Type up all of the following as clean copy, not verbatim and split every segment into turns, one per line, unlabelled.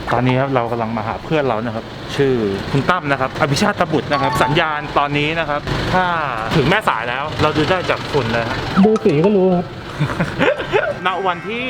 ตอนนี้ครับเรากำลังมาหาเพื่อนเรานะครับชื่อคุณตั้มนะครับอภิชาติบุตรนะครับสัญญาณตอนนี้นะครับถ้าถึงแม่สายแล้วเราดูได้จากฝุ่นเลยครับ
ดูสีก็รู้ครับ
ณวันที่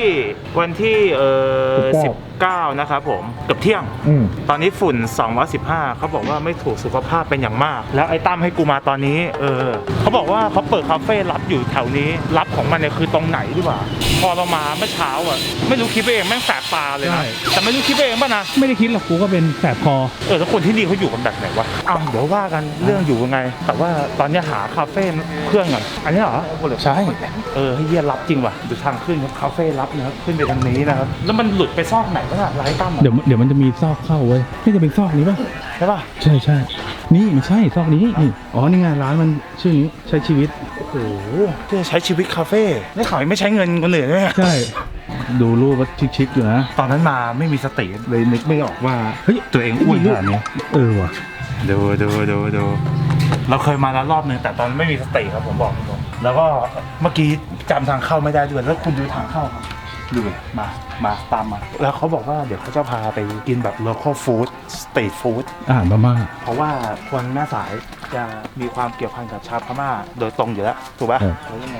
19นะครับผมเกือบเที่ยงตอนนี้ฝุ่น215เขาบอกว่าไม่ถูกสุขภาพเป็นอย่างมากแล้วไอ้ตั้มให้กูมาตอนนี้เขาบอกว่าเขาเปิดคาเฟ่ลับอยู่แถวนี้ลับของมันเนี่ยคือตรงไหนดีกว่าพอเรามาเมื่อเช้าอ่ะไม่รู้คิดไปเองแม่งแสบตาเลยนะแต่ไม่รู้คิดไปเองป่ะนะ
ไม่ได้คิดหรอกกูก็เป็นแสบคอ
แล้วคนที่นี่เขาอยู่กันแบบไหนวะเดี๋ยวว่ากันเรื่องอยู่ยังไงแต่ว่าตอนนี้หาคาเฟ่เพื่อนก่อนอันนี้เหรอใช่ให้เยี่ยรับจริงว่ะดูทางขึ้นครับคาเฟ่รับนะครับขึ้นไปทางนี้นะครับแล้วมันหลุดไปซอกไหนวะน่ะไร้ตั้ม
เดี๋ยวมันจะมีซอกเข้าเว้ยนี่จะเป็นซอกนี้ป่ะ
ใช่ป่ะ
ใช่นี่มันใช่ซอกนี้นี่อ๋อนี่ไงร้านมันชื่อนี้ใช้ชีวิต
โอ้โหจะใช้ชีวิตคาเฟ่ได้ข่าวไม่ใช้เงินคนอื่นด้วย
ใช่ดูรูปว่าชิคๆอยู่นะ
ตอนนั้นมาไม่มีสติเลยนึกไม่ออกว่าเฮ้ยตัวเองอ้วนขนาดนี้
ว่ะ
ดูเราเคยมาแล้วรอบนึงแต่ตอนไม่มีสติครับผมบอกตรงแล้วก็เมื่อกี้จำทางเข้าไม่ได้ด้วยแล้วคุณดูทางเข้าครับดูมาตามมาแล้วเขาบอกว่าเดี๋ยวเขาจะพาไปกินแบบ local food street food
อาหารพม่า
เพราะว่าคนแม่สายจะมีความเกี่ยวพันกับชาวพม่าโดยตรงอยู่แล้วถูกป่ะแล้วยังไง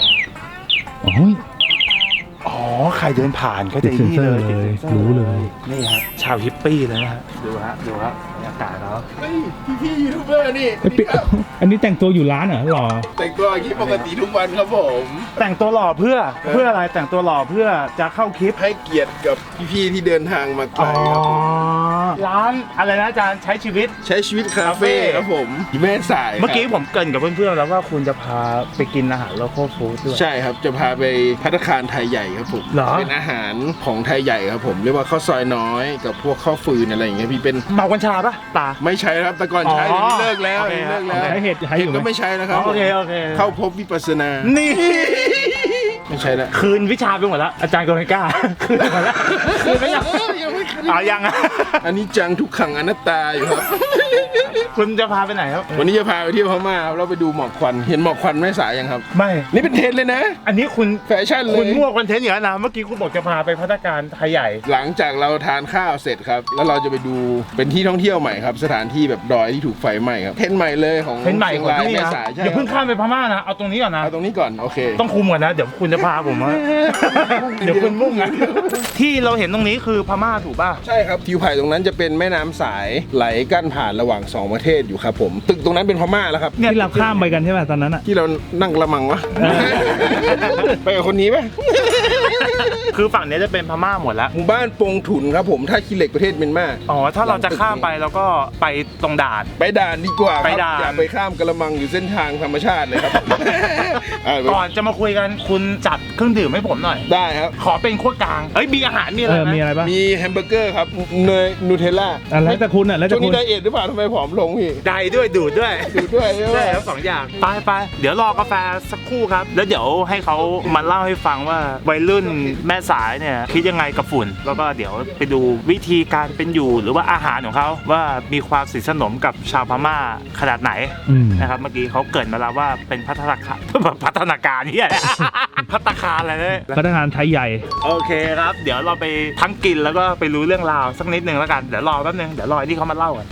อ๋อใครเดินผ่านก็จะนี่เลย
รู้เลย
นี่ครับชาวฮิปปี้เลยนะฮะดูฮะบรรยากาศแล้ว
พี่ยูทูบเบอร์นี่
อันนี้แต่งตัวอยู่ร้านเหรอหรอ
แต่งตัวอย่างนี้ปกติทุกวันครับผม
แต่งตัวหล่อเพื่ออะไรแต่งตัวหล่อเพื่อจะเข้าคลิป
ให้เกียรติกับพี่ๆที่เดินทางมาไกลครับผม
ร้านอะไรนะอาจารย์ใช้ชีวิต
ใช้ชีวิตคาเฟ่ครับผมที่แม่สาย
เมื่อกี้ผมเกริ่นกับเพื่อนๆแล้วว่าคุณจะพาไปกินอาหาร local food ด้วย
ใช่ครับจะพาไปภัตตาคารไทยใหญ่ครับผม
เหรอ
เป็นอาหารของไทยใหญ่ครับผมเรียกว่าข้าวซอยน้อยกับพวกข้าวฟืนอะไรอย่างเงี้ยพี่เป็น
เมากัญชาปะตา
ไม่ใช้ครับแต่ก่อนใช้
อ๋อ
เดี๋ยวนี้เลิกแล้ว
โอเค
เลิกแล้ว
ใช้เห็ดใช้อยู่ไหม
ก็ไม่ใช้นะครับ
โอเค
เข้าพบวิปัสสนา
นี่
ไม่ใช่แล้ว
คืนวิชาไปหมดแล้วอาจารย์ก็ไม่กล้าคืนไปหมดแล้วคืนไปยัง
ยังไม่คืน
ยังอ่ะ
อันนี้จังทุกขังอนัตตาอยู่ครับ
คุณจะพาไปไหนครับ
วันนี้จะพาไปเที่ยวพม่าครับเราไปดูหมอกควันเห็นหมอกควันแม่สายยังครับ
ไม่
นี่เป็นเทรนด์เลยนะ
อันนี้คุณ
แฟชั่นเลย
คุณมั่วคอนเทนต์อย่างนั้นนะเมื่อกี้คุณบอกจะพาไปภัตตาคารไทยใหญ่
หลังจากเราทานข้าวเสร็จครับแล้วเราจะไปดูเป็นที่ท่องเที่ยวใหม่ครับสถานที่แบบดอยที่ถูกไฟไหม้ครับเทรนด์ใหม่เลยของ
เป็นใหม่
ชีย
ของ
ราย
ที่นี่
แม่
นะ
สายใช่
อย่าเพิ่ง
ครับ
ข้ามไปพม่านะเอาตรงนี้ก่อนนะ
เอาตรงนี้ก่อนโอเค
ต้องคุมก่อนนะเดี๋ยวคุณจะพาผมมาเดี๋ยวคุณมุ่งนะที่เราเห็นตรงนี้คือพม่าถูกป่ะ
ใช่ครับทิวไผ่ตรงนั้นจะเป็นแม่น้ำสายไหลกั้นผ่านระหว่างสองประเทศอยู่ครับผมตึกตรงนั้นเป็นพม่าแล้วครับ
ที่เราข้ามไปกันใช่ป่ะตอนนั้นอ่ะ
ที่เรานั่งกระมังวะ ไปกับคนนี้ไหม
คือฝั่งนี้จะเป็นพม่าหมดแล้ว
หมู่บ้านปงถุนครับผมท่าขี้เหล็กประเทศเมียนมา
อ๋อถ้าเราจะข้ามไปเราก็ไปตรงด่าน
ไปด่านดีกว่าครับ
ไปด่าน
อย่าไปข้ามกระมังอยู่เส้นทางธรรมชาติเลยครับ
ก่อนจะมาคุยกันคุณจัดเครื่องดื่มให้ผมหน่อย
ได้ครับ
ขอเป็นขั้วกลางเฮ้ยมีอาหารมีอะไรไหม
มีอะไรบ้าง
มีแฮมเบอร์เกอร์ครับเนยนูเทลล่า
แล้วแต่คุณอ่ะแล้วแต่
ช่วง
คุ
นี้
ณ
ไดเอทหรือเปล่าทำไมผอมลงพี่
ได้ด้วยดูดด้วย
ดูด้วยใช่ไหม
ได้ทั้งสองอย่างไปเดี๋ยวรอกาแฟสักครู่ครับ แล้วเดี๋ยวให้เขามาเล่าให้ฟังว่าวัยรุ่นแม่สายเนี่ยคิดยังไงกับฝุ่น แล้วก็เดี๋ยวไปดูวิธีการเป็นอยู่หรือว่าอาหารของเขาว่ามีความสนิทสนมกับชาวพม่าขนาดไหนนะครับเมื่อกี้เขาเกริ่นมาแล้วว่าเป็นพัฒนาการเนี่ย ภัตตาคารอะไรเนี่ย
พนักงานไทยใหญ่
โอเคครับ เดี๋ยวเราไปทั้งกินแล้วก็ไปรู้เรื่องราวสักนิดนึงแล้วกันเดี๋ยวรอแป๊บนึงเดี๋ยวรอที่เขามาเล่ากัน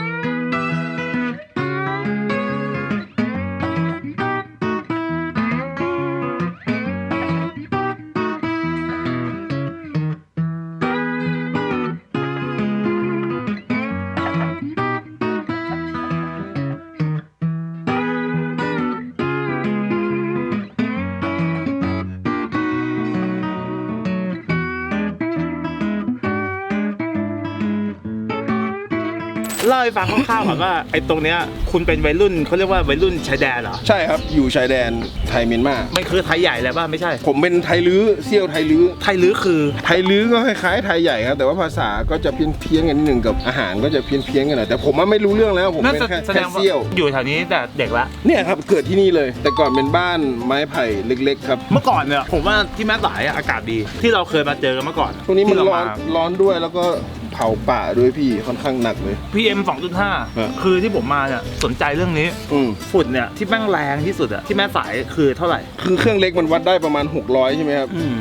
เล่าให้ฟังคร่าวๆก่อนว่าไอ้ตรงเนี้ยคุณเป็นวัยรุ่นเขาเรียกว่าวัยรุ่นชายแดนเหรอ
ใช่ครับอยู่ชายแดนไทยเมียนมา
มันคือไทยใหญ่เลยป่ะไม่ใช่
ผมเป็นไทยลื้อเซี่ยวไทยลื้อ
ไทยลื้อคือ
ไทยลื้อก็คล้ายๆไทยใหญ่ครับแต่ว่าภาษาก็จะเพี้ยนๆกันนิดนึงกับอาหารก็จะเพี้ยนๆกันหน่อยแต่ผมว่าไม่รู้เรื่องแล้วผมเป็นแค่
แสดงว่า
เซี่ยว
อยู่แถวนี้แต่เด็กละ
เนี่ยครับเกิดที่นี่เลย แต่ก่อนเป็นบ้านไม้ไผ่เล็กๆครับ
เมื่อก่อนเนี่ยผมว่าที่แม่สายอะอากาศดีที่เราเคยมาเจอกันเมื่อก่อน
ตรงนี้มัน
ที่เา
ร้อนด้วยแล้วก็เผาป่าด้วยพี่ค่อนข้างหนักเลย
PM 2.5 คือที่ผมมาเนี่ยสนใจเรื่องนี้ ฝุ่นเนี่ยที่แม่งแรงที่สุดอะที่แม่สายคือเท่าไหร่
คือเครื่องเล็กมันวัดได้ประมาณ600ใช่ไหมครับ
อืม
ที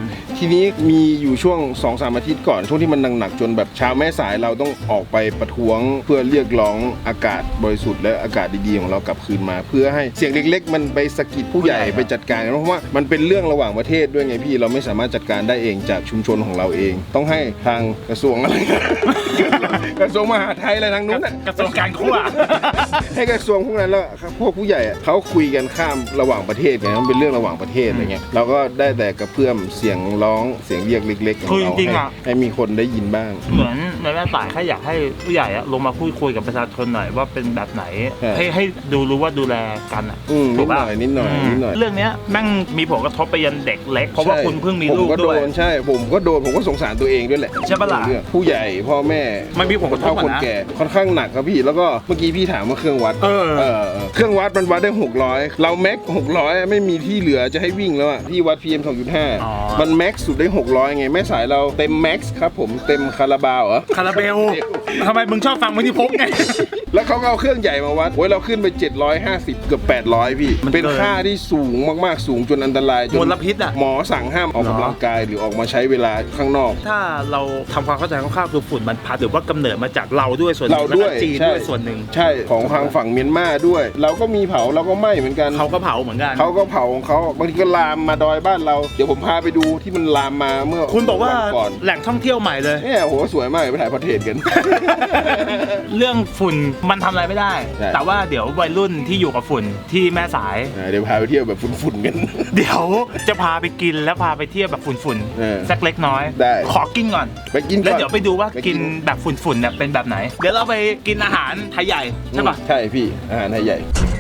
ทีนี้มีอยู่ช่วง 2-3 อาทิตย์ก่อนช่วงที่มันหนักๆจนแบบชาวแม่สายเราต้องออกไปประท้วงเพื่อเรียกร้องอากาศบริสุทธิ์และอากาศดีๆของเรากลับคืนมา เพื่อให้เสียงเล็กๆมันไปสะกิดผู้ใหญ่ไปจัดการกันเพราะว่ามันเป็นเรื่องระหว่างประเทศด้วยไงพี่เราไม่สามารถจัดการได้เองจากชุมชนของเราเอง ต้องให้ทางกระทรวงอะไร กระทรวงมหาดไทยอะไรทางนู้นน่ะ
กระทรวงการครัว
ให้กระทรวงพวกนั้นแล้วพวกผู้ใหญ่อะเขาคุยกันข้ามระหว่างประเทศไงมันเป็นเรื่องระหว่างประเทศอะไรเงี้ยเราก็ได้แต่กระเพื่อมเสียงร้องเสียงเรียกเล็กๆของ
คือ
เรา
จริงๆอะ
ให้มีคนได้ยินบ้าง
เหมือนในแม่สายแค่อยากให้ผู้ใหญ่อะลงมาพูดคุยกับประชาชนหน่อยว่าเป็นแบบไหน ให้รู้ว่าดูแลกันอะ
นิดหน่อยนิดหน่อยนิดหน่อย
เรื่องเนี้ยแม่งมีผลกระทบไปยันเด็กเล็กเพราะว่าคุณเพิ่งมีลูก
ผมก็โด
ด้วย
นใช่ผมก็โดนผมก็สงสารตัวเองด้วยแหละ
ใช่ปะล่ะ
เรื่องผู้ใหญ่พ่อแม่
มันมีผลกระทบ
เฒ่า
อะนะ
คนแก่ค่อนข้างหนักครับพี่แล้วก็เมื่อกี้พี่ถามว่าเครื่องวัด
เออ
เครื่องวัดมันวัดได้600เราแม็ก600ไม่มีที่เหลือจะให้วิ่งแล้วอะที่วัด PM 2.5 มันแม็กสุดได้600ไงแม่สายเราเต็มแม็กซ์ครับผมเต็มคาราบาวเหรอ
คาราเบลทำไมมึงชอบฟังวิธีพกไง
แล้วเขาก็เอาเครื่องใหญ่มาวัดโอ้ยเราขึ้นไป750เกือบ800พี่
มันเกิน
เป็นค่าที่สูงมากๆสูงจนอันตรายจน
มลพิษอะ
หมอสั่งห้ามออกกำลังกายหรือออกมาใช้เวลาข้างนอก
ถ้าเราทำความเข้าใจคร่าวๆคือฝุ่นมันพัดหรือว่ากำเนิดมาจากเราด้วยส่วนหนึ่
เรา
งแล้ว
ด้ว
ก็
ย
จีน
ใช่
ด้วยส่วนหนึ่ง
ใช่ของทางฝั่งเมียนมาด้วย เราก็มีเผาเราก็ไหม้เหมือนกัน
เขาก็เผาเหมือนกัน
เขาก็เผาของเขาบางทีก็ลามมาดอยบ้านเราเดี๋ยวผมพาไปดูที่มันลามมาเมื่อ
คุณบอกว่า
นก่อน
แหล่งท่องเที่ยวใหม่เลย
เนี่ยโหสวยมากไปถ่ายพอร์เทรตกัน
เรื่องฝุ่นมันทำอะไรไม่ได้
ใช่
แต่ว่าเดี๋ยววัยรุ่นที่อยู่กับฝุ่นที่แม่สาย
เดี๋ยวพาไปเที่ยวแบบฝุ่นๆกัน
เดี๋ยวจะพาไปกินแล้วพาไปเที่ยวแบบฝุ่น
เออ
ๆสักเล็กน้อย
ได้
ขอกินก่อน
ไปกินก่อน
แล้วเดี๋ยวไปดูว่า
ไปกิ
กิ
น
นแบบฝุ่นๆเนี่ยเป็นแบบไหน เดี๋ยวเราไปกินอาหารไทยใหญ่ใช่ปะ
ใช่พี่อาหารไทยใหญ่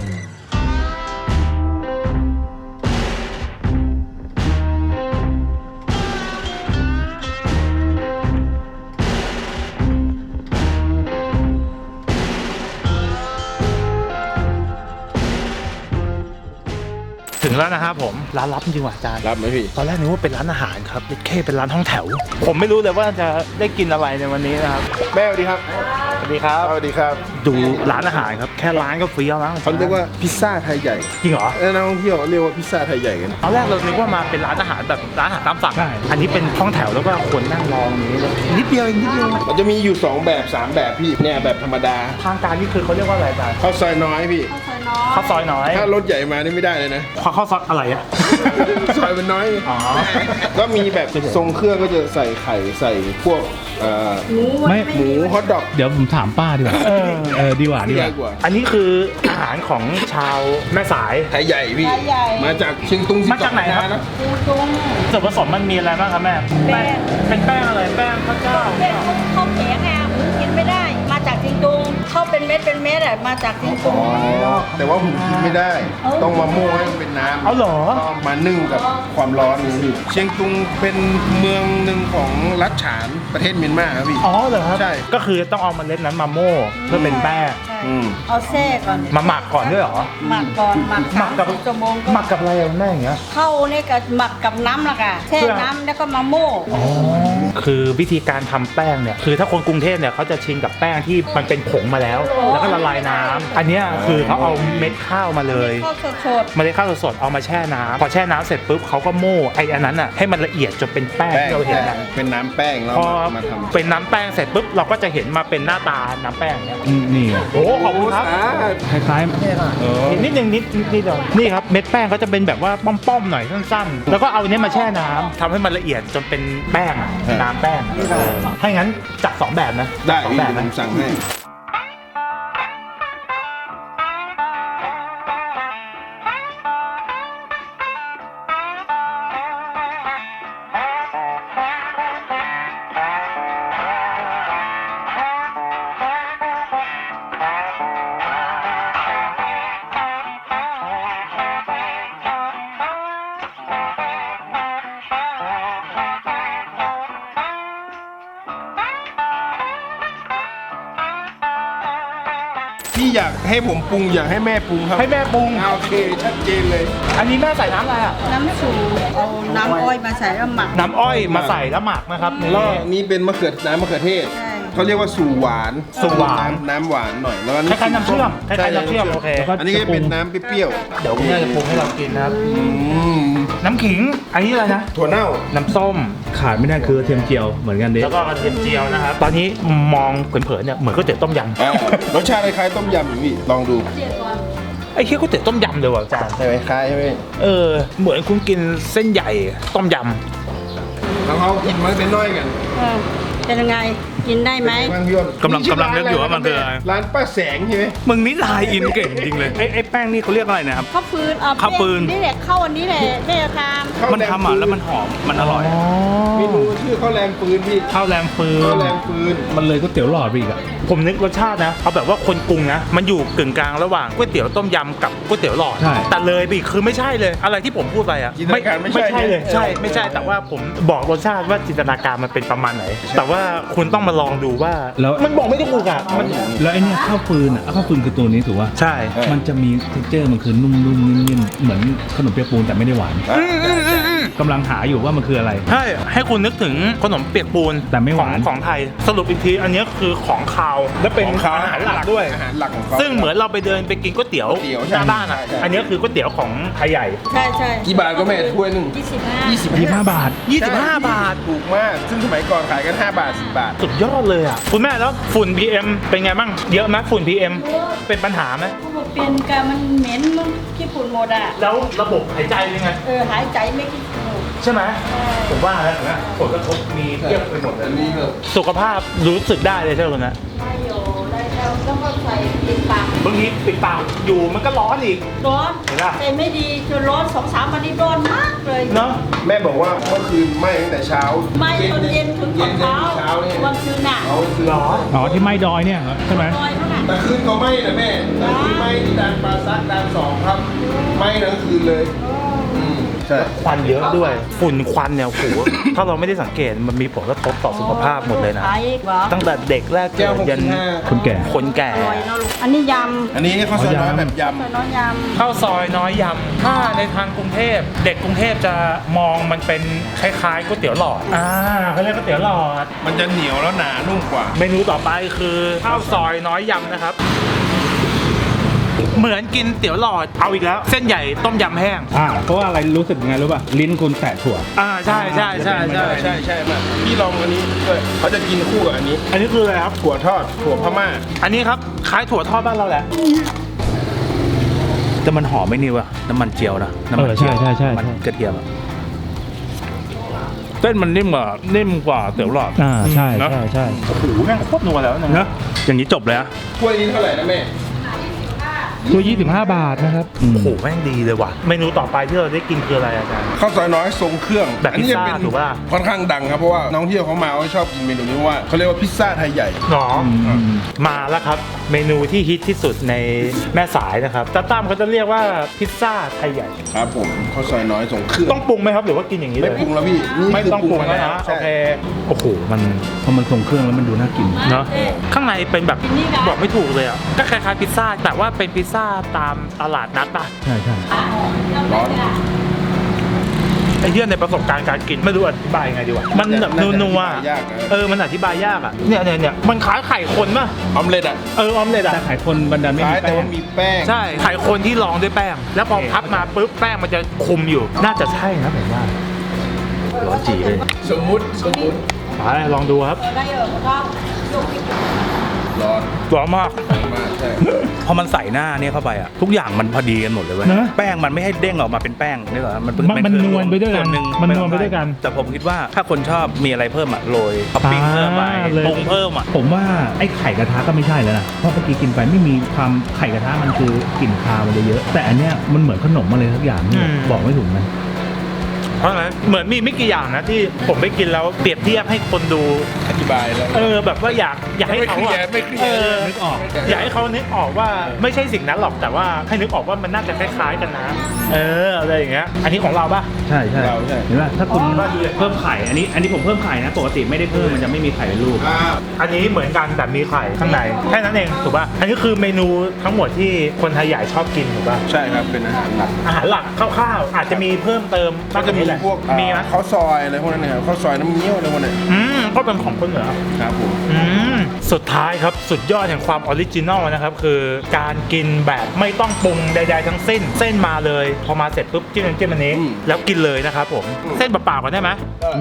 ถึงแล้วนะครับผมร้านลับจริงๆว่ะอาจารย์
รับไหมพี่
ตอนแรกนึกว่าเป็นร้านอาหารครับแค่เป็นร้านห้องแถว ผมไม่รู้เลยว่าจะได้กินอะไรในวันนี้นะครับ
แม่สวัสดีครับ
สวัสดีครับ
สวัสดีครับ
ดูร้านอาหารครับแค่ร้านก็ฟรีแล้วนะ
เขาเรียกว่าพิซซ่าไทยใหญ่
จริงเหรอ
นักท่องเที่ยวเรียกว่าพิซซ่าไทยใหญ่กัน
ตอนแรกเราคิดว่ามาเป็นร้านอาหารแบบร้านอาหารตามสั่งอันนี้เป็นห้องแถวแล้วก็คนนั่งรอตรงนี้เลยนิดเดียวเองนิดเดียว
มันจะมีอยู่2แบบ3แบบพี่เนี่ยแบบธรรมดา
ทางการนี่คือเขาเรียกว่าอะไรอาจารย์
ข้าวซอยน้อยพี่
ข้าวซอยน้อย
ถ้ารถใหญ่มานี่ไม่ได้เลยนะ
ข้าวซอยอะไรอะ
ซอยมันน้อย
อ๋อ
ก็มีแบบทรงเครื่องก็จะใส่ไข่ใส่พวก
ไม่
หมูฮอทดอก
เดี๋ยวผมถามป้าดีกว่าดีกว่าดีก
ใหญ่
ว่า
กว่า
อันนี้คืออาหารของชาวแม่สาย
ไทยใหญ่พี่
ไทยใหญ่
มาจากเชียงตุง
มาจากไหนครับ
นะ
ปูจุง
ส่วนผสมมันมีอะไรบ้างครับแม่
แป้ง
เป็นแป้งอะไรแป้งข้าวเจ้า
แป้งข้าวแข็งไงหมูกินไม่ได้ มาจากจิงตุงเข้าเป็นเม็ดอ่ะมาจากจิงตุง
แต่ว่าผมกินไม่ได้
เอ้า
ต้องมาโม่ให้มันเป็นน้ำ
เอาเหรอ
ต้องมานึ่งกับความร้อนนี่พี่เชียงตุงเป็นเมืองหนึ่งของรัฐฉานประเทศเมียนมาครับพี่
อ๋อเหรอครับ
ใช่
ก็คือต้องเอาเมล็ดนั้นมาโม่เพื่อเป็นแป้ง
ใช่
อืม
เอาแช่ก่อน
มาหมักก่อนด้วยเหรอ
หมักก่อนหมัก
หมักกับ
30 ชั่วโมงก็
หมักกับอะไรอะแม่อย่างเงี้ย
เข้านี่ก็หมักกับน้ำละค่ะแช่
เพื่อ
น้ำแล้วก็มาโม่
คือวิธีการทำแป้งเนี่ยคือถ้าคนกรุงเทพเนี่ยเขาจะชินกับแป้งที่มันเป็นผงมาแล้ว แล้วก็ละลายน้ำอันเนี้ยคือเขาเอาเม็ดข้าวมาเลย
ข้าวสด
เมล็ดข้าวสดๆเอามาแช่น้ำพอแช่น้ำเสร็จปุ๊บเขาก็โม่ไอ้อันนั้นอ่ะให้มันละเอียดจนเป็นแป้ง
แป้ง
ที่เราเห็นอะ
เป็นน้ำแป้งแล้ว
พอ
มาทำ
เป็นน้ำแป้งเสร็จปุ๊บเราก็จะเห็นมาเป็นหน้าตาน้ำแป้งเนี่ย
นี่ไง
โอ้ขอบคุณครับ
คล้าย
นิดนึงนิดเดียวนี่ครับเม็ดแป้งเขาจะเป็นแบบว่าป้อมๆหน่อยสั้นๆ แล้วก็เอาเนี้ยมาแช่น้ำทำให้มันละเอียดจนเป็นแป้งอะน้ำแป้งอะถ้าอย่างนั้นจัด2แบบนะ
ได้
สอง
พี่
แบบ
ผ
นะ
มสั่งให้ พี่อยากให้ผมปรุงอยากให้แม่ปรุงครับ
ให้แม่ปรุง
โอเคชัดเจนเลย
อันนี้แม่ใส่น้ำอะไรอ่ะ
ๆน้ำสูเอาน้ำอ้อยมาใส่แล้วหมัก
น้ำอ้อยมาใส่แล้วหมักนะครับนี่
แล้วนี่เป็นมะเขือน้ำมะเขือเทศ
ใช่
เขาเรียกว่าสู่หวาน
สู่หวาน
น้ำหวานหน่อยแล้ว
คล้ายๆน้ำเชื่อมคล้ายๆน้ำเชื่อมโอเค
อันนี้ก็จะเป็นน้ำเปรี้ยว
เดี๋ยวคุณแม่จะปรุงให้เรากินนะครับ
ๆ
น้ำขิงอันนี้อะไรนะ
ถั่วเน่า
น้ำส้ม
ขาดไม่ได้คือกระเทียมเจียวเหมือนกันเด้
แล้วก็กระเทียมเจียวนะครับตอนนี้มองเผินๆเนี่ยเหมือนก๋วยเตี๋ยวต้มยำ
รสชาติคล้ายๆต้มยำอยู่พี่ลองดู
ไอ้เคี้ยวก๋วยเตี๋ยวต้มยำเลยว่ะอาจารย์
ใช่ไหมคล้ายใช่ไหม
เหมือนคุณกินเส้นใหญ่ต้มย
แล้วเขากินมันเป็นน้อยกัน
เป็นยังไงกินได้ไหม
บางพี่อ้น
กำลังนึกอยู่ว่ามันคืออะไร
ร้านป้าแสงใช่ไหม
มึงนี่ลายอินเก่งจริงเลยไอ้แป้งนี่เขาเรียกอะไรนะครับ
ข้าวฟืน
ข้าวฟืน
นี่แหละข้าวอันนี้แหละแม่ทำ
มันทำอ่ะแล้วมันหอมมันอร่อย
เมนูชื่อข้าวแรงปืนพี่
ำข้าวแรมฟื
ข้าวน แรงปืน
มันเลยก๋วยเตี๋ยวหลอดไปอีกอ่ะ
ผมนึกรสชาตินะเอาแบบว่าคนกรุงนะมันอยู่กึ่งกลางระหว่างก๋วยเตี๋ยวต้มยำกับก๋วยเตี๋ยวหลอด
ใช่
แต่เลยไปอีกคือไม่ใช่เลยอะไรที่ผมพูดไปอ่ะ
จินตนาการไม่ใช่
เลยใช่ไม่ใช่แต่ว่าผมบอกรสชาติว่าจินตนาการมันเป็นประมาณไหน แต่ว่าคุณต้องมาลองดูว่า
แล้ว
มันบอกไม่ถูกอ่ะมัน
แล้วไอ้เนี่ยข้าวฟืนอ่ะข้าวฟืนคือตัวนี้ถูกป่ะ
ใช่
มันจะมีเท็กเจอร์มันคือนุ่มๆนิ่มๆเหมือนขนมเปี๊ยกปูนแต่ไม่ได้หวานกำลังหาอยู่ว่ามันคืออะไร
ใช่ให้คุณนึกถึงขนมเปียกปูน
แต่ไม่หวาน
ของไทยสรุปอีกทีอันนี้คือของคาวและเป็น
ของเขา
อาหารหลักด้วย
อาหารหลักของเขา
ซึ่งเหมือนเราไปเดินไปกินก๋วยเตี๋ยว
ก๋วยเตี๋ยว
หน้าบ้านอ่ะ
ใช่
อันนี้คือก๋วยเตี๋ยวของไทยใหญ่
ใช่ใช่
กี่บาทก็แม่ถ้วยหนึ่ง
25
25 บาท
25 บาท
ถูกมาก ซึ่งสมัยก่อนขายกัน5 บาท 10 บาท
สุดยอดเลยอ่ะคุณแม่แล้วฝุ่น PM เป็นไงบ้างเยอะไหมฝุ่น PM เป็นปัญหาไหม
เขาบอกเป็นการมันเหม็นมันขี้ฝุ่นหมดอ่ะ
แล้วระบบหายใจเป็นไง
หายใจไม่ขี้ฝุ่น
ใช่ไหมผมว่าแล้วนะผลกระทบมีเทียบไปหมดเลย
อันนี้ก็
สุขภาพรู้สึกได้เลยใช่ไหมคุณนะ
ได้อยู่ได้แล้วก็ใส่ปิดปาก
บางทีปิดปากอยู่มันก็ร้อนอีก
ร้อน
เห็นปะ
แต่ไม่ดีจนร้อน2-3 วันนี้ร้อนมากเลย
เนาะ
แม่บอกว่าเมื่อคืนไหม้ตั้งแต่เช้า
ไม่ตอนเย็นถึงตอนเช้า
เช้าเนี่ย
วันคืนน่ะ
เอาคืน
หรอ
อ๋อที่ไม้ดอยเนี่ยเหรอใช่ไหม
ลอยเท่านั้น
แต่คืนก็ไหม้นะแม่แต่คืนไหม้ที่ด่านปลาซักด่าน2ครับไหม้ทั้งคืนเลยใช่
ควันเยอะด้วย ฝุ่นควันเนี่ยโอ้โห ถ้าเราไม่ได้สังเกตมันมีผลกระทบต่อสุขภาพหมดเลยนะ
ขายเหรอ
ตั้งแต่เด็กแรกเกิดยัน
คนแก่
คนแก่
อร่อยเนาะลูกอันนี้ย
อันนี้ข้าวซอยน้อยแบบย
ำใส่น้อยยำ
ข้าวซอยน้อยยำถ้าในทางกรุงเทพเด็กกรุงเทพจะมองมันเป็นคล้ายๆก๋วยเตี๋ยวหลอดเขาเรียกก๋วยเตี๋ยวหลอด
ำมันจะเหนียวแล้วหนานุ่มกว่า
เมนูต่อไปคือข้าวซอยน้อยยำนะครับ เหมือนกินเตี๋ยวหลอดเอาอีกแล้ว เส้นใหญ่ต้มยำแห้ง
เพราะว่าอะไรรู้สึกยังไงรู้ป่ะลิ้นคุณแตะถั่ว
ใช่ใช่ใช่ใช่
ใช่มากพี่ลองอันนี้ด้วยเขาจะกินคู่กับอันนี้
อันนี้คืออะไรครับ
ถั่วทอดถั่วพม่า
อันนี้ครับคล้ายถั่วทอดบ้านเราแหละ
แต่มันหอมไม่นี่วะน้ำมันเจียวนะน้ำมันเจียว
ใช่
มันกระเทียมอะเส้นมันนิ่มกว่าเตี๋ยวหลอด
ใช่
เนอะ
ใช่
โอ้โหแม่งโคตรนัวแล้วนะ
เนอะอย่างนี้จบเลยอะ
ถ้วยนี้เท่าไหร่นะแม่
ตัว25 บาทนะครับ
โอ้โหแม่งดีเลยว่ะเมนูต่อไปที่เราได้กินคืออะไรอาจารย์
ข้าวซอยน้อยทรงเครื่อง
แบบ
อันี้จะ
พิซซ่า
เป็น
ถูกป่ะ
ค่อนข้างดังครับเพราะว่าน้องเที่ยวเขามาเขาชอบกินเมนูนี้เพราะว่าเขาเรียกว่าพิซซ่าไทยใหญ่
หรอมาแล้วครับ เมนูที่ฮิตที่สุดในแม่สายนะครับตาตั้มเขาจะเรียกว่าพิซซ่าไทยใหญ่
ครับผมข้าวซอยน้อยทรงเครื่อง
ต้องปรุงไหมครับหรือว่ากินอย่างนี้เล
ไม่
ย
ปรุงแล้วพี่นี่
ไม่
คือ
ต้องปรุง
มา
แล้วนะ
ใช่
โอเคโอ้โหมัน
พอมันทรงเครื่องแล้วมันดูน่ากิน
เนาะข้างในเป็นแบบบอกไม่ถูกเลยอ่ะก็คล้ายๆพิซซ่าแต่ว่าเป็นพิซซ่าตามตลาดนัดป่ะ
ใช่ใช่
ร้อน
ไอ้เหี้ยในประสบการณ์การกินไม่รู้อธิบายยังไงดีวะมันแบบ
น่าจะ
นัว
อธิบายยากนะ
มันอธิบายยากอ่ะเนี่ยมันคล้ายไข่คนป่ะ
ออมเล็ตอ่ะ
ออมเล็ต
แต่
อ่ะ
ไข่คนบันดาลไม่
คล้า
มี
ยแต่
แป้
ว่าง มีแป้ง
ใช่ไข่คนที่รองด้วยแป้ง แล้วพอพับมาปุ๊บแป้งมันจะคุมอยู่น่าจะใช่นะผมว่าร้อนจีเลย
สมมุติ
ไปลองดูครับ
ได้เหรอก็ยก
ร้อน
ร้อนมาก
มากใช่
พอมันใส่หน้าเนี่ยเข้าไปอะทุกอย่างมันพอดีกันหมดเลยเว้ย
นะ
แป้งมันไม่ให้เด้งออกมาเป็นแป้งนี่หรอมัน
มันนวลไปด้วยกัน
ส่หง
มันนวลไปด้วยกัน
แต่ผมคิดว่าถ้าคนชอบมีอะไรเพิ่มอะโรยท็อปปิ้งเพิ่มไป
เลย
ปรุงเพิ่มอะ
ผมว่าไอ้ไข่กระทะก็ไม่ใช่แล้วนะเพราะเมื่อกี้กินไปไม่มีความไข่กระทะมันคือกลิ่นคาวมันเลยเยอะ แต่อันเนี้ยมันเหมือนขนมอะไรสักอย่างที่บอกไม่ถูกนะ
เพราะฉะนั้นเหมือนมีไม่กี่อย่างนะที่ผมไปกินแล้วเปรียบเทียบให้คนดู
อธิบายแล้ว
แบบว่าอยากให้เขาอะ
ไม่เครียด
นึกออก
อยากให้เขานึกออกว่าไม่ใช่สิ่งนั้นหรอกแต่ว่าให้นึกออกว่ามันน่าจะคล้ายๆกันนะอะไรอย่างเงี้ยอันนี้ของเราป่ะ
ใช่ใช่
เราใช่
เห็นป่ะถ้าคุณเพิ่มไข่อันนี้ผมเพิ่มไข่นะปกติไม่ได้เพิ่มมันจะไม่มีไข่เป็นลูก
อันนี้เหมือนกันแต่มีไข่ข้างในแค่นั้นเองถูกป่ะอันนี้คือเมนูทั้งหมดที่คนไทยใหญ่ชอบกินถูกป่ะ
ใช่ครับเป็นอาหารหลัก
อาหารหลักคร่าวๆอาจจะมีเพิ่มเติม
ก็จะมี
แหละ
พวก
มีไหม
ข้าวซอยอะไรพวกนั้นนะครับข้าวซอยน้ำเงี้ยวอะไรพวกนั้น
ก็เป็นของคนเหนือ
ครับผม
อืมสุดท้ายครับสุดยอดแห่งความออริจินอลนะครับคือการกินแบบไม่ต้องปรุงใดๆทั้งสิ้นเส้นมาเลยพอมาเสร็จปุ๊บจิ้มน้ำจิ้มอันนี้แล้วกินเลยนะครับผมเส้นเปล่าๆก่อนได้ไหม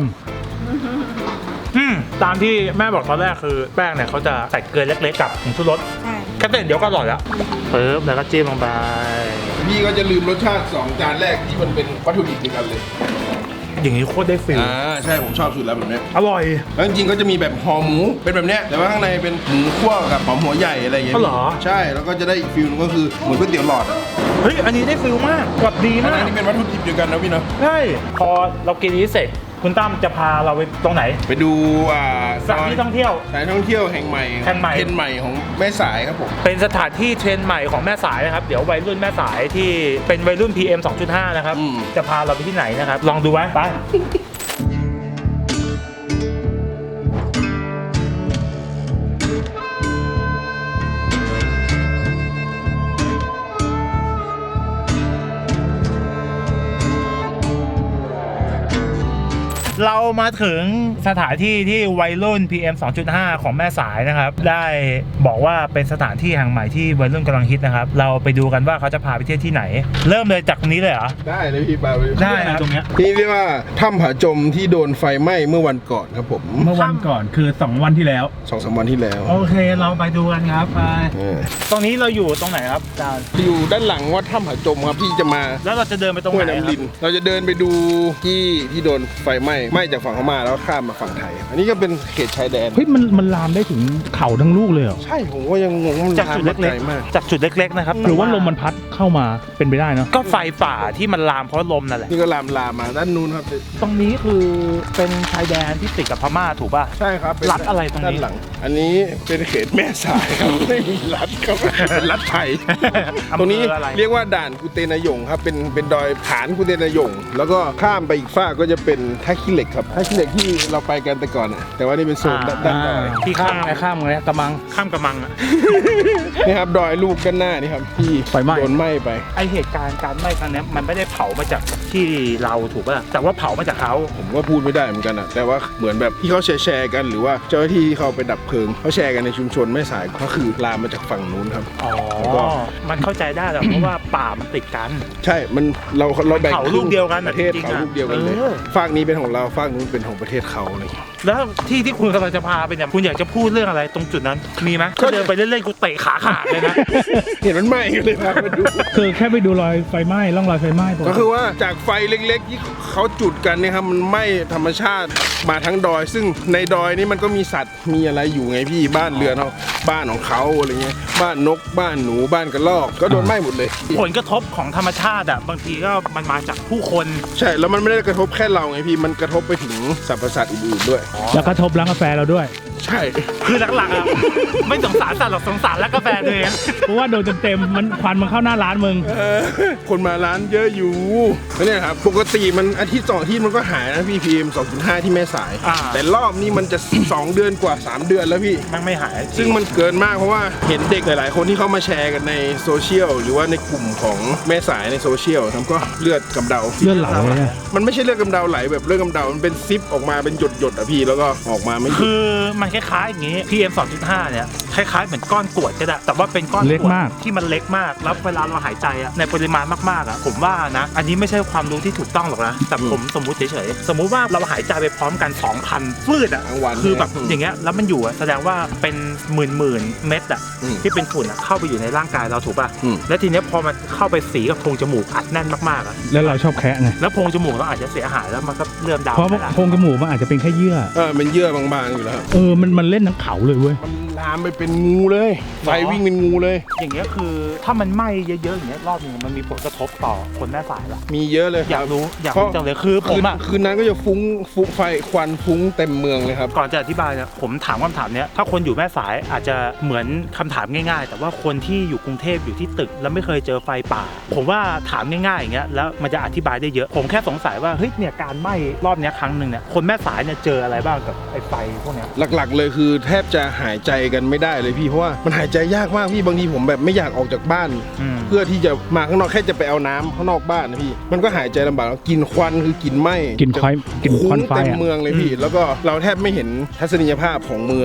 ตามที่แม่บอกตอนแรกคือแป้งเนี่ยเขาจะใส่เกลือเล็กๆกับผงชูรส
ใช่
แค่เส้นเดี๋ยวก็อร่อยแล้วปึ๊บแล้วก็จิ้มลงไป
พี่ก็จะลืมรสชาติ2จานแรกที่มันเป็นวัตถุดิบเดียวกันเลย
อย่างนี้โคตรได้ฟิล
ใช่ผมชอบสุดแล้วแบบเนี้ย
อร่อย
แล้วจริงๆก็จะมีแบบห่อหมูเป็นแบบเนี้ยแต่ว่าข้างในเป็นหมูคั่วกับหอมหัวใหญ่อะไรอย่างเงี้ย
อ๋อเหรอ
ใช่แล้วก็จะได้อีกฟิลนึงก็คือเหมือนก๋วยเตี๋ยวหลอดอ่ะ
เฮ้ยอันนี้ได้ฟิลมากกรอบดี
อัน
มาก
นี้เป็นวัตถุดิบเดียวกันนะพี่เนาะ
ใช่พอเรากินนี้เสร็จคุณตั้มจะพาเราไปตรงไหน
ไปดู
สถานที่ท่องเที่ยว
สถานท่องเที่ยวแห่งใหม่
แห่งใหม่
เทรนด์ใหม่ของแม่สายครับผม
เป็นสถานที่เทรนด์ใหม่ของแม่สายนะครับเดี๋ยววัยรุ่นแม่สายที่เป็นวัยรุ่น PM 2.5 นะครับจะพาเราไปที่ไหนนะครับลองดูไว้ไป เรามาถึงสถานที่ที่วัยรุ่น PM 2.5 ของแม่สายนะครับได้บอกว่าเป็นสถานที่แห่งใหม่ที่วัยรุ่นกำลังฮิตนะครับเราไปดูกันว่าเขาจะพาไปเที่ยวที่ไหน เริ่มเลยจากตรงนี้เลยเหรอ
ได้เลยพี่ปาไป
ได้ครับตรงเนี้ย
ที่เรียกว่าถ้ำผาจมที่โดนไฟไหม้เมื่อวันก่อนครับผม
เมื่อวันก่อนคือ2 วันที่แล้ว
2-3 วันที่แล้ว
โอเคเราไปดูกันครับไป
เออ
ตรงนี้เราอยู่ตรงไหนครับอาจารย์
อยู่ด้านหลังวัดถ้ำผาจมครับที่จะมา
แล้วเราจะเดินไปตรง
ห้วย
ไหนค
น้ำ
รั
ลิ
บ
นเราจะเดินไปดูที่โดนไฟไหม้จากฝั่งพม่าแล้วข้ามมาฝั่งไทย อันนี้ก็เป็นเขตชายแดน
เฮ้ยมันลามได้ถึงเขาทั้งลูกเลยเหรอ
ใช่ผมก็ยังงงว่ามัน
จากจุด
ลามมา
เล็ก
ไกลมาก
ๆจากจุดเล็กๆนะครับ
หรือว่าลมมันพัดเข้ามาเป็นไปได้เนาะ
ก็ไฟป่าที่มันลามเพราะลมนั่นแหละ
นี่ก็ลามมาด้านนู้นครับ
ตรงนี้คือเป็นชายแดนที่ติดกับพม่าถูกป่ะ
ใช่ครับเป็น
รัฐอะไรตรงนี้
ด้านหลัง อันนี้เป็นเขตแม่สายครับ ไม่มีรัฐครับเป็นรัฐไทย
อำเภอ
ตรงนี้
อะไร
เรียกว่าด่านกุเตนายงครับเป็นดอยฐานกุเตนายงแล้วก็ข้ามไปอีกฝ้ากก็จะเป็นท่าขี้เหล็กครับท่าขี้เหล็กที่เราไปกันแต่ก่อนอะแต่ว่านี่เป็นโซนด้านดอย
ที่ข้าม
ข้ามไงกระมัง
ข้ามกระมังอะ
นี่ครับดอยลูกกันหน้านี่ครับที่
ไฟไหม้
โดนไหม้ไป
ไอเหตุการณ์การไหม้ครั้งเนี้ยมันไม่ได้เผามาจากที่เราถูกป่ะแต่ว่าเผามาจากเขา
ผมก็พูดไม่ได้เหมือนกันอะแต่ว่าเหมือนแบบที่เขาแชร์กันหรือว่าเจ้าหน้าที่ที่เขาไปดับเพลิงเขาแชร์กันในชุมชนแม่สายก็คือลามมาจากฝั่งนู้นครับ
อ๋อ
แล้วก็
มันเข้าใจได้แหละเพราะว่าป่ามันติดกัน
ใช่มันเราแบ่ง
เขาลูกเดียวกัน
ประเทศ
จริงๆ
เขา
อะ
ลูกเดียวกันเลย
เออ
ฝากนี้เป็นของเราฝากนู้นเป็นของประเทศเขาอะไรอย่างเงี้ย
แล้วที่คุณกำลังจะพาไปเนี่ยคุณอยากจะพูดเรื่องอะไรตรงจุดนั้นมีไหมก็เดินไปเล่นๆกูเตะขาขาดเลยนะ
เห็นมันไหม้กันเลยครับมาดู
คือแค่ไปดูรอยไฟไหม้ร่องรอยไฟไหม้ปติ
ก็คือว่าจากไฟเล็กๆที่เขาจุดกันเนี่ยครับมันไหม้ธรรมชาติมาทั้งดอย ซึ่งในดอยนี่มันก็มีสัตว์มีอะไรอยู่ไงพี่บ้านเรือนเขาบ้านของเขาอะไรเงี้ยบ้านนกบ้านหนูบ้านกระรอกก็โดนไหม้หมดเลย
ผลกระทบของธรรมชาติอ่ะบางทีก็มันมาจากผู้คน
ใช่แล้วมันไม่ได้กระทบแค่เราไงพี่มันกระทบไปถึงสรรพสัตว์อื่นๆด้วย
แล้วก็ทบร้านกาแฟเราด้วย
ใช่
คือหลักๆอ่ะ ไม่สงสารสัตว์หรอกสงสารแล้วกาแฟตัวเอง
เพราะว่าโดนเต็มๆมันควันมันเข้าหน้าร้านมึง
คนมาร้านเยอะอยู่แล้วเนี่ยครับปกติมันอาทิตย์2อาทิตย์มันก็หายนะพี่ PM 2.5 ที่แม่สาย แต่รอบนี้มันจะ 2 เดือนกว่า 3 เดือนแล้วพี่
มันไม่หาย
ซึ่งมันเกินมากเพราะว่าเห็นเด็กหลาย ๆ คนที่เขามาแชร์กันในโซเชียลหรือว่าในกลุ่มของแม่สายในโซเชียลทำก็เลือดกำเดา
เลือดไหลเลยเนี่ย
มันไม่ใช่เลือดกำเดาไหลแบบเลือดกำเดามันเป็นซิปออกมาเป็นหยดๆอ่ะพี่แล้วก็ออกมาไม่หยุด
คือมันคล้ายๆอย่างนี้ PM 2.5 เนี่ยคล้ายๆเหมือนก้อนกรวดก็ได้แต่ว่าเป็นก้อน
เล็ก
กรวด
มาก
ที่มันเล็กมากแล้วเวลาเราหายใจอะในปริมาณมากๆอะผมว่านะอันนี้ไม่ใช่ความรู้ที่ถูกต้องหรอกนะแต่ผมสมมุติเฉยๆสมมุติว่าเราหายใจไปพร้อมกัน 2,000 ฟืดอะ
ทั้งวัน
คือแบบ
เนี่ย
อย่างเงี้ยแล้วมันอยู่อะแสดงว่าเป็นหมื่นเม็ดอะ
อืม
ที่เป็นฝุ่นอะเข้าไปอยู่ในร่างกายเราถูกป่ะ
อืม
แล้วทีเนี้ยพอมันเข้าไปสีกับโพรงจมูกอัดแน่นมากๆอะ
แล้วเราชอบแคะไง
แล้วโพรงจมูกเราอาจจะเสียหายแล้วมันก็เริ่มดาว
เพราะ
ไปละ
โพรงจมูกมันอาจจะเป็นแค่เยื่อ
เป็นเยื่อบางๆอยู่แล้วครับ
มันเล่นทั้งเขาเลยเว้ย
มันลามไปเป็นงูเลยไฟวิ่งเป็นงูเลย
อย่างเงี้ยคือถ้ามันไหม้เยอะๆอย่างเงี้ยรอบนึงมันมีผลกระทบต่อคนแม่สายละ
มีเยอะเลยค
อยา
รั
ก
บ
รู้จังเลยคือผมอะ
คืนนั้นก็จะฟุ้งไฟควันฟุ้งเต็มเมืองเลยครับ
ก่อนจะอธิบายเนี่ยผมถามคำถามเนี้ยถ้าคนอยู่แม่สายอาจจะเหมือนคำถามง่ายๆ แต่ว่าคนที่อยู่กรุงเทพอยู่ที่ตึกแล้วไม่เคยเจอไฟป่า ผมว่าถามง่ายๆอย่างเงี้ยแล้วมันจะอธิบายได้เยอะผมแค่สงสัยว่าเฮ้ยเนี่ยการไหม้รอบเนี้ยครั้งหนึ่งเนี่ยคนแม่สายเนี่ยเจออะไรบ้างกับไอ้ไฟพวกเนี้ย
หลักๆเลยคือแทบจะหายใจกันไม่ได้เลยพี่เพราะว่ามันหายใจยากมากพี่บางทีผมแบบไม่อยากออกจากบ้าน เพื่อที่จะมาข้างนอกแค่จะไปเอาน้ำข้างนอกบ้านนะพี่มันก็หายใจลำบากแล้วกลินควันคือกลิ่นไหม้
กลิ่นควัน
คุ้
ควั
ง
นไฟ
เต็ม
อะ
เมืองเลยพี่ แล้วก็เราแทบไม่เห็นทัศนียภาพของเมือง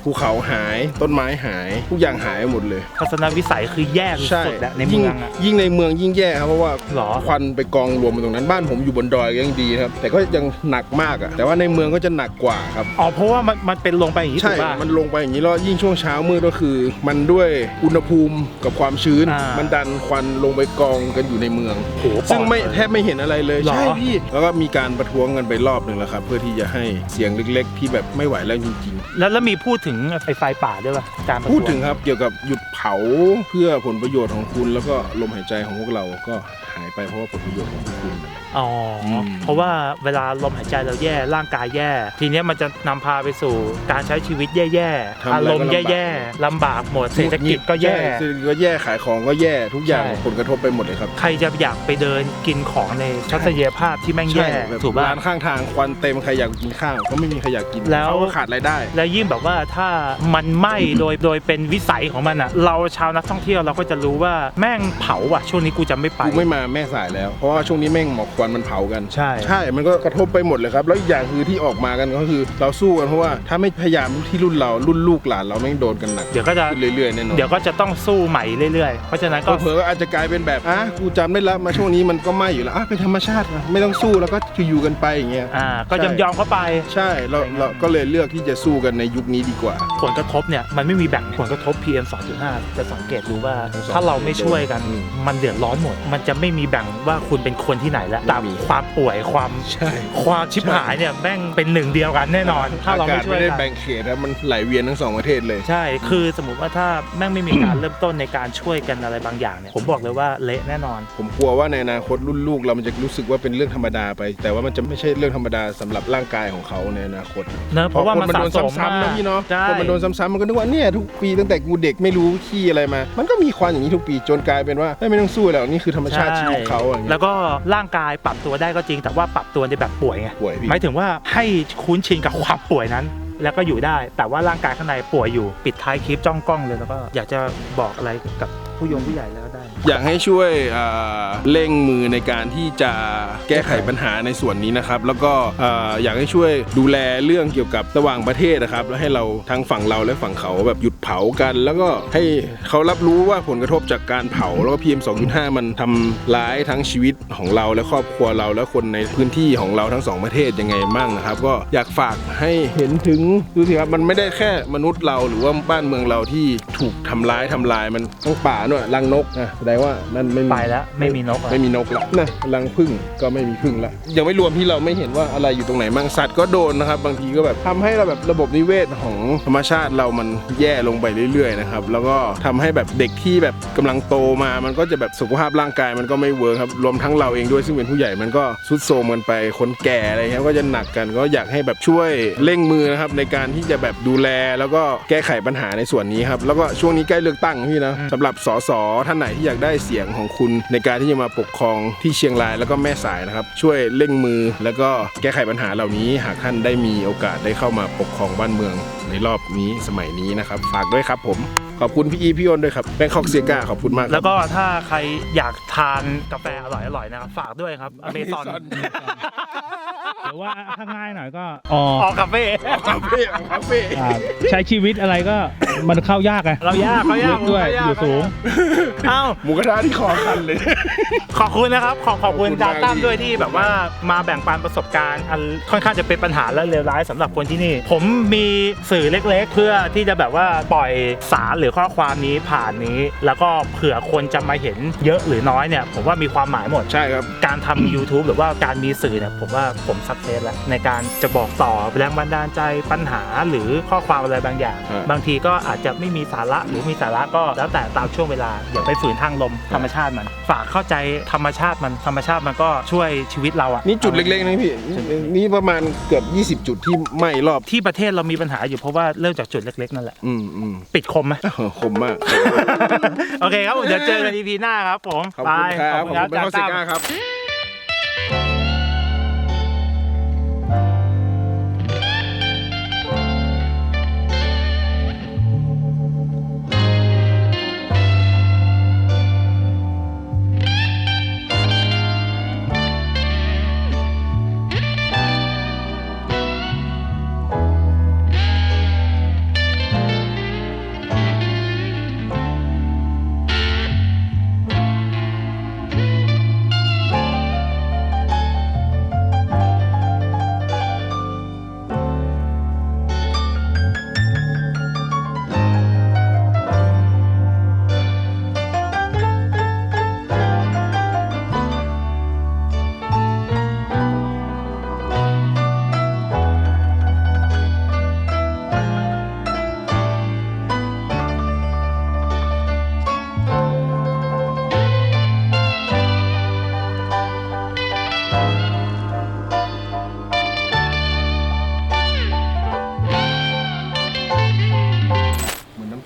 ภูเขาหายต้นไม้หายทุกอย่างหายหมดเลย
ทัศนวิสัยคือแย่สุดๆแล้วในเมืองอะ
ยิ่งในเมืองยิ่งแย่ครับเพราะว่า
หรอ
ควันไปกองรวมอยู่ตรงนั้นบ้านผมอยู่บนดอยก็ยังดีครับแต่ก็ยังหนักมากอ่ะแต่ว่าในเมืองก็จะหนักกว่าครับ
อ๋อเพราะว่ามันเป็นลงไปอย่างนี้ถู
ใช่
กป่ะ
มันลงไปอย่างนี้แล้วยิ่งช่วงเช้ามืดก็คือ มันด้วยอุณหภูมิกับความชื้น
อ่ามั
มันดันควันลงไปกองกันอยู่ในเมือง
โห
ซึ่งไม่
ปอดเลย
แทบไม่เห็นอะไรเลย
หรอ
ใช่พี่แล้วก็มีการประท้วงกันไปรอบหนึ่งแล้วครับเพื่อที่จะให้เสียงเล็กๆ ที่แบบไม่ไหวแล้วจริง
แล้วมีพูดถึงไฟป่าด้วยป่ะการประท้ว
ๆพูดถึงครับเกี่ยวกับหยุดเผาเพื่อผลประโยชน์ของคุณ แล้วก็ลมหายใจของพวกเราก็หายไปเพราะว่าผลประโยชน์ของพวกคุณ
อ๋ออ
ม
เพราะว่าเวลาลมหายใจเราแย่ร่างกายแย่ ทีเนี้ยมันจะนำพาไปสู่การใช้ชีวิตแย่ๆอารมณ์แย่ๆลำบากหมดเศรษฐกิจก็แย่
ใช่เศรษฐกิจก็แย่ขายของก็แย่ทุกอย่าง
ใช่
ผลกระทบไปหมดเลยครับ
ใครจะอยากไปเดินกินของในทัศนียภาพที่แม่งแย่
แบบ
ถูกป่ะ
ร้านข้างทางควันเต็มใครอยากกินข้าวก็ไม่มีใครอยากกิน
แล้ว
เขาก็ขาดรายได้
แล้วยิ่งแบบว่าถ้ามันไหม้โดยเป็นวิสัยของมันอ่ะ เราชาวนักท่องเที่ยวเราก็จะรู้ว่าแม่งเผาอ่ะช่วงนี้กูจะไม่ไป
กูไม่มาแม่สายแล้ว เพราะว่าช่วงนี้แม่งหมอกควันมันเผากัน
ใช่
ใช่ มันก็กระทบไปหมดเลยครับ แล้วอีกอย่างคือที่ออกมากันก็คือเราสู้กันเพราะว่าถ้าไม่พยายามที่รุ่นเรารุ่นลูกหลานเราแม่งโดนกันหนัก
เดี๋ยวก็จะ
ขึ้นเรื่อยๆแน่นอน
เดี๋ยวก็จะต้องสู้ใหม่เรื่อยๆ เพราะฉะนั้นก็
เผลอๆก็อาจจะกลายเป็นแบบกูจำได้แล้วมาช่วงนี้มันก็ไหม้อยู่แล้วเป็นธรรมชาตินะไม่ต้องสู้แล้วก็อยู่กันไปอย่างเงี้ย
ก็ยอมเข้าไป
ใช่เราก็เลยเลือกที่จะสู้กันในยุคนี้ดีกว่า
ผลกระทบเนี่ยมันไม่มีแบ่งผลกระทบ PM 2.5 จะสังเกตดูว่า
2.5
ถ้าเราไม่ช่วยกัน
อืม
มันเดือดร้อนหมด มันจะไม่มีแบ่งว่าคุณเป็นคนที่ไหนแล้วแต่
ไม่มี
ความป่วยความ
ใช่
ความชิบหายเนี่ยแม่งเป็นหนึ่งเดียวกันแน่นอน ถ้าเรา
อากา
ไม่
ศ
ช่วย
ไม่ได้
กัน
แบ่งเขตครับมันไหลเวียนทั้งสองประเทศเลย
ใช่ คือสมมุติว่าถ้าแม่งไม่มีการ เริ่มต้นในการช่วยกันอะไรบางอย่างเนี่ยผมบอกเลยว่าเละแน่นอน
ผมกลัวว่าในอนาคตรุ่นลูกเรามันจะรู้สึกว่าเป็นเรื่องธรรมดาไป แต่ว่ามันจะไม่ใช่เรื่องธรรมดาสำหรับร่างกายของเขาในอนาคต
เนอะเพราะว่ามัน
คโดน
สะสม
ซ้ำๆนะพี่เนาะ
ใช่
คนมันโดนซ้ำๆมันก็นึกว่าเนี่ยทุกปีตั้งแต่กูเด็กไม่รู้ขี้อะไรมา มันก็มีควันอย่างนี้ทุกปีจนกลายเป็นว่าไม่ต้องสู้แล้วนี่คือธรรมชาติชีวิตเขาอย่างเงี้
แล้
ยว
ก็ร่างกายปรับตัวได้ก็จริง แต่ว่าปรับตัวในแบบป่วยไง
ป่วยพี่
หมายถึงว่าให้คุ้นชินกับความป่วยนั้น แล้วก็อยู่ได้ แต่ว่าร่างกายข้างในป่วยอยู่ปิดท้ายคลิปจ้องกล้องเลยแล้วก็อยากจะบอกอะไรกับผู้ใหญ่แล้วได้
อยากให้ช่วยเร่งมือในการที่จะแก้ไขปัญหาในส่วนนี้นะครับ แล้วก็อยากให้ช่วยดูแลเรื่องเกี่ยวกับระหว่างประเทศนะครับแล้วให้เราทั้งฝั่งเราและฝั่งเขาแบบหยุดเผากัน แล้วก็ให้เขารับรู้ว่าผลกระทบจากการเผาแล้วก็ PM 2.5 มันทำร้ายทั้งชีวิตของเราและครอบครัวเราและคนในพื้นที่ของเราทั้งสองประเทศยังไงมั่งนะครับ ก็อยากฝากให้เห็นถึงดูสิครับมันไม่ได้แค่มนุษย์เราหรือว่าบ้านเมืองเราที่ถูกทำลายมันทั้งป่าด้วยรังนกแสดงว่านั่นไม่มี
ไปแล้วไม่มีนกอะ
ไม่มีนกละนะรังผึ้งก็ไม่มีผึ้งละยังไม่รวมที่เราไม่เห็นว่าอะไรอยู่ตรงไหนมั่งสัตว์ก็โดนนะครับบางทีก็แบบทำให้เราแบบระบบนิเวศของธรรมชาติเรามันแย่ลงไปเรื่อยๆนะครับแล้วก็ทำให้แบบเด็กที่แบบกำลังโตมามันก็จะแบบสุขภาพร่างกายมันก็ไม่เวิร์คครับรวมทั้งเราเองด้วยซึ่งเป็นผู้ใหญ่มันก็ทรุดโทรมกันไปคนแก่อะไรเงี้ยก็จะหนักกันก็อยากให้แบบช่วยเร่งมือนะครับในการที่จะแบบดูแลแล้วก็แก้ไขปัญหาในส่วนนี้ครับแล้วก็ช่วงนี้ใกล้เลือกตั้งพี่นะสำหรับสสท่านไหนที่อยากได้เสียงของคุณในการที่จะมาปกครองที่เชียงรายแล้วก็แม่สายนะครับช่วยเร่งมือแล้วก็แก้ไขปัญหาเหล่านี้หากท่านได้มีโอกาสได้เข้ามาปกครองบ้านเมืองในรอบนี้สมัยนี้นะครับฝากด้วยครับผมขอบคุณพี่อีพี่อ้นด้วยครับแบงคอกเซียก้าขอบคุณมากครับ
แล้วก็ถ้าใครอยากทานกาแฟอร่อยๆนะครับฝากด้วยครับอเมซอน
หรือว่าถ้าง่ายหน่อยก็
ออกคาเฟ่
คาเฟ่คาเฟ่
ใช้ชีวิตอะไรก็มันเข้ายากไง
เรายากเขายาก
ด้วยอยู่สูง
เอ้า
หมูกระทะที่คอคันเลย
ขอบคุณนะครับขอบคุณ
ขอบคุณ
จานตั้ม
มาก
ด้วยที่แบบว่ามาแบ่งปันประสบการณ์อันค่อนข้างจะเป็นปัญหาและเลวร้ายสำหรับคนที่นี่ ผมมีสื่อเล็กๆ เพื่อที่จะแบบว่าปล่อยสารหรือข้อความนี้ผ่านนี้ แล้วก็เผื่อคนจะมาเห็นเยอะหรือน้อยเนี่ยผมว่ามีความหมายหมด
ใช่ครับ
การทำ YouTube หรือว่าการมีสื่อเนี่ยผมว่าผมสักเซสแล้วในการจะบอกต่อแรงบันดาลใจปัญหาหรือข้อความอะไรบางอย่าง บางทีก็อาจจะไม่มีสาระหรือมีสาระก็แล้วแต่ตามช่วงเวลาอย่าไปฝืนทางลมธรรมชาติมัน ฝากเข้าใจธรรมชาติมันก็ช่วยชีวิตเราอะ
นี่จุดเล็กๆนะพี่นี่ประมาณเกือบ20 จุดที่ไหม้รอบ
ที่ประเทศเรามีปัญหาอยู่เพราะว่าเริ่มจากจุดเล็กๆนั่นแหละ
อืม
ปิดคมไหม
คมมาก
โอเคครับผมเดี๋ยวเจอกัน EP หน้าครับผม
ขอบคุณครับ
ไป
ขอบคุณเป็นข้อเสียก้าครับ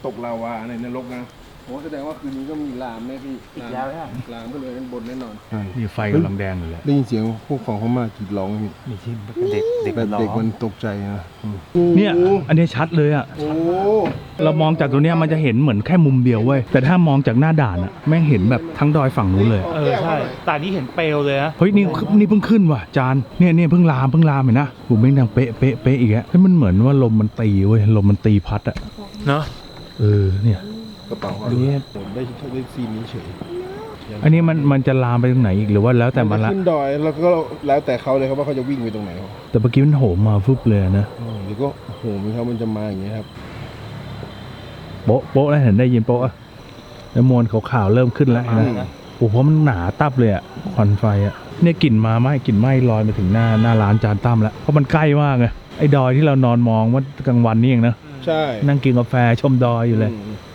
ตกลาวาในนรกนะโอ้แสดงว่าคืนนี้ก็มีลามแน่พี่
อีกแล้วเนี่ย
ลามก็เลยด้านบนแน่นอน
นี่ไฟกำลังแดงอยู่เลย
ได้ยินเสียงพวกของเขามากรีดร้องพี่
นี่ที่เด็กเด็ก
แบบ
ร้อ
เด็กมั
ง
นตกใจนะ
เนี่ยอันนี้ชัดเลยอ่ะ
โอ้
เรามองจากตรงเนี้ยมันจะเห็นเหมือนแค่มุมเดียวเว้ยแต่ถ้ามองจากหน้าด่านอ่ะแม่งเห็นแบบทั้งดอยฝั่งนู้นเลย
ใช่แต่นี่เห็นเปลวเลยนะ
เฮ้ยนี่เพิ่งขึ้นว่ะจานเนี่ยเพิ่งลามเห็นนะหูแม่งดังเป๊ะอีกแล้วเฮ้ยมันเหมือนว่าลมมันตีเว้ยลมมันตีพัดอ่ะ
เนาะ
เนี่ย
กระเป๋า
อันนี้
ผมได้ซีนนี้เฉย
อันนี้มันจะลามไปตรงไหนอีกหรือว่าแล้วแต่มันละ
ขึ้นดอยแล้วก็แล้วแต่เขาเลยครับว่าเขาจะวิ่งไปตรงไหนครับ
แต่เมื่อกี้มันโหมมาฟึบเลยนะ
หรือก็โหมีเขามันจะมาอย่างเงี้ยครับ
โป๊ะแล้วเห็นได้ยินโป๊ะอะแล้วมวลขาวๆเริ่มขึ้นแล้วนะโอ้โหเพราะมันหนาตับเลยอ่ะควันไฟอ่ะเนี่ยกลิ่นไหม้ลอยมาถึงหน้าร้านจานตั้มแล้วเพราะมันใกล้มากไงไอ้ดอยที่เรานอนมองว่ากลางวันนี่เองนะ
ใช่
นั่งกินกาแฟชมดอยอยู่เลย
อืม